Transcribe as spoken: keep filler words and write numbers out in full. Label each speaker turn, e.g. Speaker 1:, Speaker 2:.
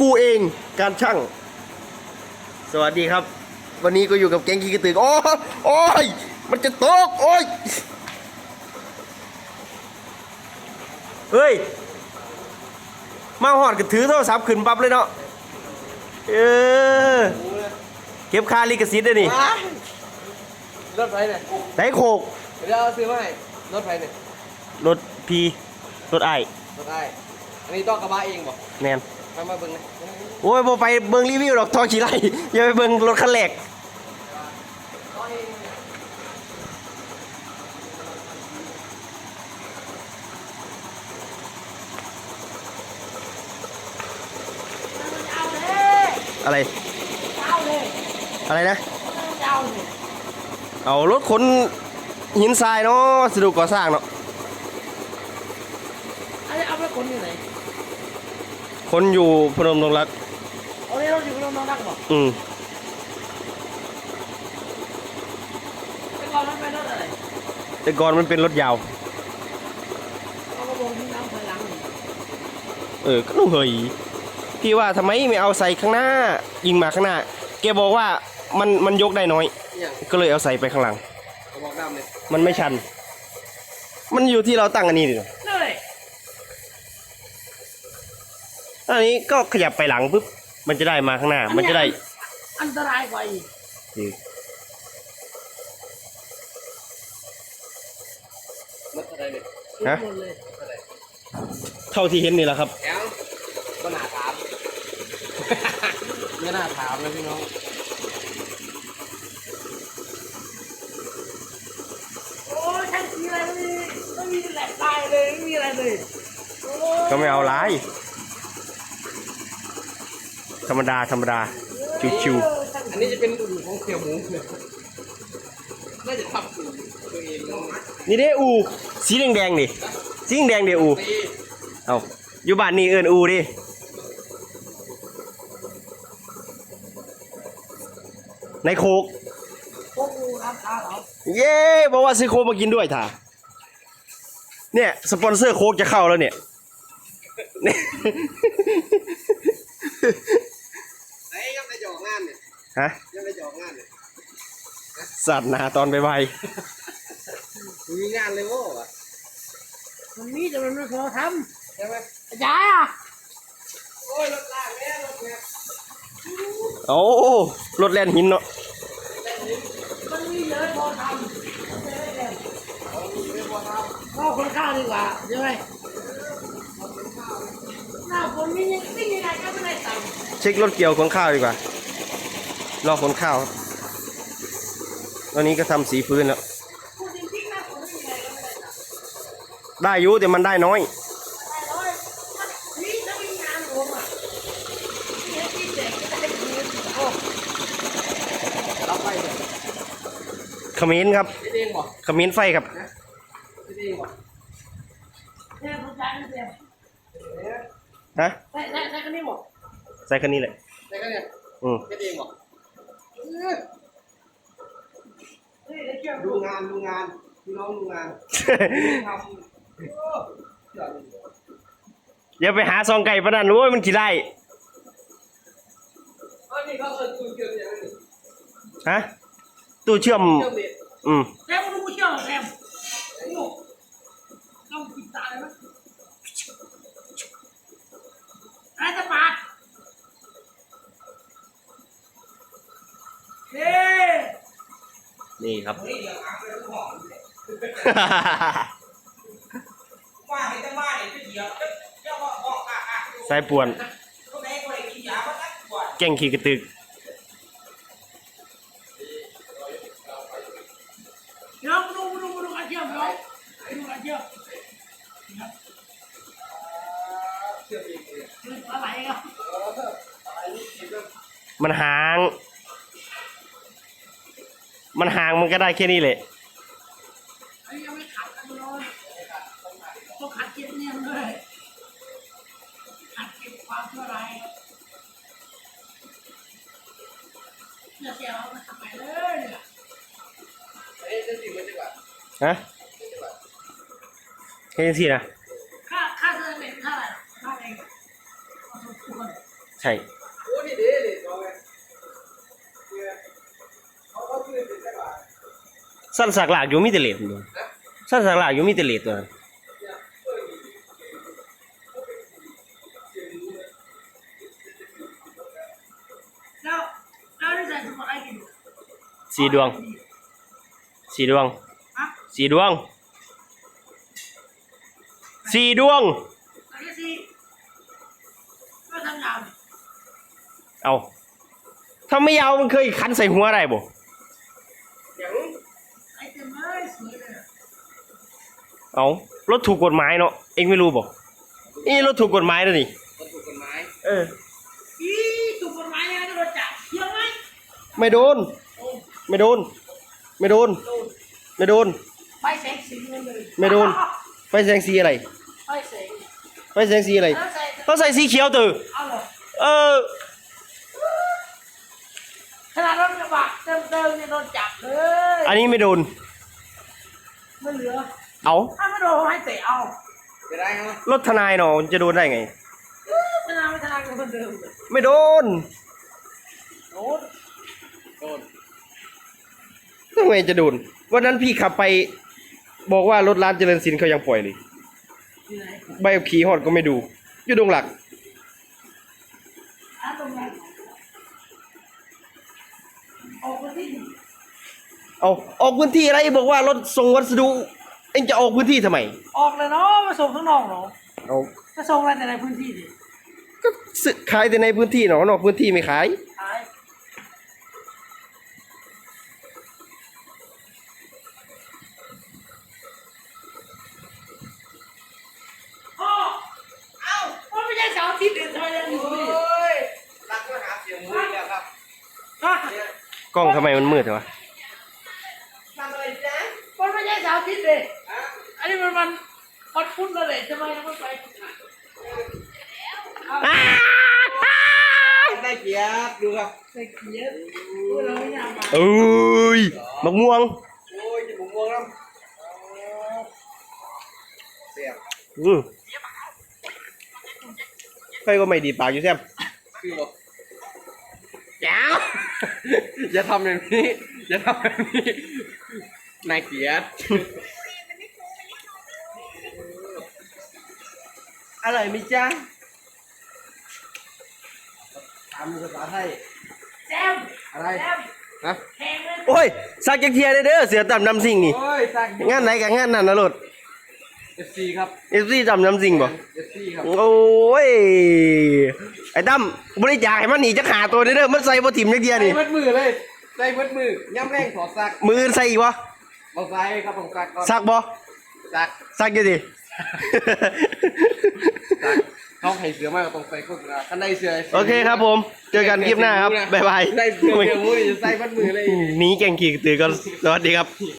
Speaker 1: เองการช่างสวัสดีครับวันนี้ก็อยู่กับแก๊งขี้กระตือโอ้โอ้ยมันจะตกโอ้ยเฮ้ยมาหอดก็ถือโทรศัพท์ขึ้นปั๊บเลยเนาะเออเก็บค่าลิขสิทธิ์ด้วยนี่
Speaker 2: รถไฟเนี่ย
Speaker 1: ไหนโคก
Speaker 2: เดี๋ยวเอาซื้อมาให้รถไฟเนี่ย
Speaker 1: รถพีรถไอ
Speaker 2: รถไออันนี้ต้องกระบะเองบ่
Speaker 1: แน่น
Speaker 2: มามาเบิ่งนะ
Speaker 1: โอ้ยโบไปเบิ่งรีวิวหรอกทอขี่ไล่อย่าไปเบิ่งรถคันแรกอะไรอะไรนะเอารถขนหินทรายเนาะสะดวกก่อสร้างเนาะ
Speaker 2: เอาไปขนอยู่ไหน
Speaker 1: ขนอยู่พนมดงรัก
Speaker 2: เอาเนี่ยรถอยู่พนมดงรักบ่
Speaker 1: อืม
Speaker 2: แต่ก่อนมันเป็นรถอะไร
Speaker 1: แต่ก่อนมันเป็นรถยาว
Speaker 2: เอากระบอกที่น้ำถอยหลัง
Speaker 1: เออก็ต้องเฮยพี่ว่าทำไมไม่เอาใส่ข้างหน้ายิงมาข้างหน้าแกบอกว่ามันมันยกได้น้อยก็เลยเอาใส่ไปข้างหลัง
Speaker 2: กระบอกดำเลย
Speaker 1: มันไม่ชันมันอยู่ที่เราตั้งอันนี้ดิอันนี้ก็ขยับไปหลังปุ๊บมันจะได้มาข้างหน้ามันจะได้
Speaker 2: อันตรายกว่าอีกรถอะไรเนี่ยฮะ
Speaker 1: เท่าที่เห็นนี่แหละครับ
Speaker 2: แก้วก็น่าถามไม่น่าถามเลยพี่น้องโอ้ยช่างมีอะไรไม่มีไม่มีแหลกตายเลยไม่มีอะไรเลย
Speaker 1: ก็ไม่เอาไรธรรมดาธรรมดาชิว
Speaker 2: ๆอันนี้จะเป็นอู่ของเสี่ยวหมูน่าจะทำอู่ตัวเอง
Speaker 1: นี่เด้อูสีแดงแดงดิสีแดงเด้อูเอาอยู่บ้านนี่เอิญอูดิในโคก
Speaker 2: โคกอูครับครับ
Speaker 1: เย้บอกว่าซื้อโคกมากินด้วยท่าเนี่ยสปอนเซอร์โคกจะเข้าแล้วเนี่ย
Speaker 2: ไอ้ยังไปจอกงานเนี่ย
Speaker 1: ฮะ
Speaker 2: ยังไปจอกงานเนี่ย
Speaker 1: สัตว์นาตอนไปไป
Speaker 2: มีงานเลยโว้ยมันมีแต่มันไม่พอทำใช่ไหมย้ายอ่ะโอ้ยรถลากแม่รถเนี่ย
Speaker 1: โอ้รถแล่นหินเนาะ
Speaker 2: มันมีเยอะพอทำไม่ได้เลยก็คนข้าวดีกว่าใช่ไหมหน้าฝนนี่ยังไม่ยังไงก็ไม่ได้ตังค์
Speaker 1: เช็ครถเกี่ยวขนข้าวดีกว่า รอขนข้าวครับตอนนี้ก็ทำสีพื้นแล้วได้อยู่แต่มันได้น้อยขมิ้นครับขมิ้นไฟครับฮะ
Speaker 2: ใส่ใส่ใส่คันนี้หมด
Speaker 1: ใส่คันนี้เลย
Speaker 2: ใส่คันนี้
Speaker 1: อืม
Speaker 2: เองหรอดูงานดูงานพี่น้องดูงานทำ
Speaker 1: อย่าไปหาซองไก่ประดันรู้ว่ามันกี่ไร่
Speaker 2: อันนี้เขาเออตู้เชื่อมอย่างนี้
Speaker 1: ฮะตู้เชื่อมอืม
Speaker 2: แซมตู้เชื่อมแซมโอ้ต้องปิดตาเลยมั้ยอะไรจะปาดเฮ้
Speaker 1: นี่ครับสายป่วนแก่งขี่กระตึก
Speaker 2: น้องดูดูดูกันเชื่อมน้องดูกันเชื่อมอะไรอ่ะ
Speaker 1: มันห่างมันห่างมันก็ได้แค่นี้แหละ
Speaker 2: ยังไม่ขัดกันเลยต้องขัดเก็บเนี่ยเลยขัดเก็บความชั่วร้ายเนี่ยเสียเราทำไมเลยเนี่ยเฮ้ยจะสิบมันดีกว่า
Speaker 1: ฮะแค่นี้สินะ
Speaker 2: ค่าค่าเซอร์เมนค่าอะไรค่าเอง
Speaker 1: ใช่
Speaker 2: โอ้นี่เด้เด้สองไงเนี่ยเขาเขาคือเป็นจังหวะ
Speaker 1: สั้นสักหลากอยู่มีแต่เหล็กตัวสั้นสักหลากอยู่มีแต่เหล็กตัว
Speaker 3: แล้วแล้วได้ใส่สมุดอะไรกิน
Speaker 1: สีดวงสีดวง
Speaker 3: ฮะ
Speaker 1: สีดวงสีดวง
Speaker 3: อันนี้สิก็ทำยาว
Speaker 1: เอาถ้าไม่ยาวมันเคยคันใส่หัวอะไรบ่
Speaker 2: อย่าง
Speaker 3: ไอ้เต็มเลยสวยเลย
Speaker 1: เอารถถูกกฎหมายเนาะเองไม่รู้บ่นี่รถถูกกฎหมายแล้วนี่
Speaker 2: มันถูกกฎหมาย
Speaker 1: เออ
Speaker 3: อีถูกกฎหมายยังไงก็โดนจับเที่ยวไหม
Speaker 1: ไม่โดน
Speaker 3: โอ้
Speaker 1: ไม่โดน ไม่โดน
Speaker 3: โดน
Speaker 1: ไม่โดน
Speaker 3: ไฟแสงสีเงินเลย
Speaker 1: ไม่โดน ไฟแสงสีอะไร
Speaker 3: ไฟแสง
Speaker 1: ไฟแสงสีอะไร
Speaker 3: แล้วใส่
Speaker 1: เขาใส่สีเขียวตื่อ
Speaker 3: เอาเหรอ
Speaker 1: เออ
Speaker 3: ขนาดรถกระบะเติมเติมๆเนี่ยโดนจับเลย
Speaker 1: อันนี้ไม่โดน
Speaker 3: ไม่เหลือ
Speaker 1: เอา
Speaker 3: ถ้าไม่โดนให้เตะเอา
Speaker 2: จะได้เหรอ
Speaker 1: รถทนายเนาะมันจะโดนได้ไง
Speaker 3: ขนาดไม่ขนาดกับคนเดิมเลย
Speaker 1: ไม่โดน
Speaker 3: โดน
Speaker 2: โดน
Speaker 1: ทำไมจะโดน วันนั้นพี่ขับไป บอกว่ารถร้านเจริญสินเขายังปล่อยเลย
Speaker 3: ที่ไหน
Speaker 1: ใบขับขี่ฮอดก็ไม่ดู อยู่ดงหลัก
Speaker 3: อ่ะตรงไหนออกมาที่
Speaker 1: เอาออกพื้นที่อะไรบอกว่ารถส่งวัสดุ เอ็งจะออกพื้นที่ทำไม
Speaker 3: ออกเลยเนาะมาส่งข้างนอกเนาะ
Speaker 1: เอา
Speaker 3: จะส่งอะไรแต่ในพื้นที่ดิ
Speaker 1: ก็ซื้อขายแต่ในพื้นที่เนาะนอกพื้นที่ไม่ขาย
Speaker 3: ขายพ่อเอ้ามันไม่ใช่เสาร์อาทิตย์เดือนทำไมยังอยู่
Speaker 2: โอ้
Speaker 3: นี่
Speaker 2: ยรักมาหาเสียงมือแล้วครับ
Speaker 3: ฮะ
Speaker 2: เนี่ย
Speaker 1: กล้องทำไมมันมืดวะ
Speaker 2: ทำอะไรจ๊ะ
Speaker 3: มันไม่ใช่เสาร์อาทิตย์เลย
Speaker 2: ฮะ
Speaker 3: อันนี้มันมันวันพุธเลยทำไมยังไม่ไปเอา
Speaker 2: ได้เกียรติดูครับ
Speaker 3: ใส่เกียร์พูดเราไม่อยากมา
Speaker 1: เอ้ยมะม่วง
Speaker 2: โอ้ยจะบุกม่วงแล้วเสียบ
Speaker 1: อืมใครก็ไม่ดีดปากอยู่แซม
Speaker 2: คือบอกยาวอย่าทำแบบนี้อย่าทำแบบนี้นายเกียรติอร่อยไหมจ๊ะถามภาษาไทย
Speaker 3: แซม
Speaker 2: อะไร
Speaker 3: แซม
Speaker 2: ฮะ
Speaker 3: แพงเลย
Speaker 1: โอ้ยสักจักเทียได้เด้อเสือต่ำนำสิ่งนี่
Speaker 2: โอ้ยสัก
Speaker 1: งานไหนกับงานนั้นนะรถ
Speaker 2: เอฟซีครับ
Speaker 1: เอฟซีต่ำนำสิ่งบ่
Speaker 2: เอฟซีครับ
Speaker 1: โอ้ย ไอ้ตั้มบริจาคให้มันหนีจะขาตัวเด้อมันใส่บ่ถิ่มจักเทีย
Speaker 2: ใส่
Speaker 1: นี่
Speaker 2: มัดมือเลยใส่มัดมือย่ำแรงถอดซัก
Speaker 1: มืออื่นใส่อีกบ่
Speaker 2: เอาใส่ครับผมซักก่อน
Speaker 1: ซักบ่
Speaker 2: ซัก
Speaker 1: ซักอยู่ดิ
Speaker 2: ซักเขาให้เสือมากกว่าตรงใส่โฆษณาคันได้เสือ
Speaker 1: โอเคครับผม เจอกันคลิปหน้าครับ บ๊ายบาย
Speaker 2: ได้เสือเดียวมูนี่จะใส่มัดมือเลย
Speaker 1: หนีแกงขี่ตือกันสวัสดีครับ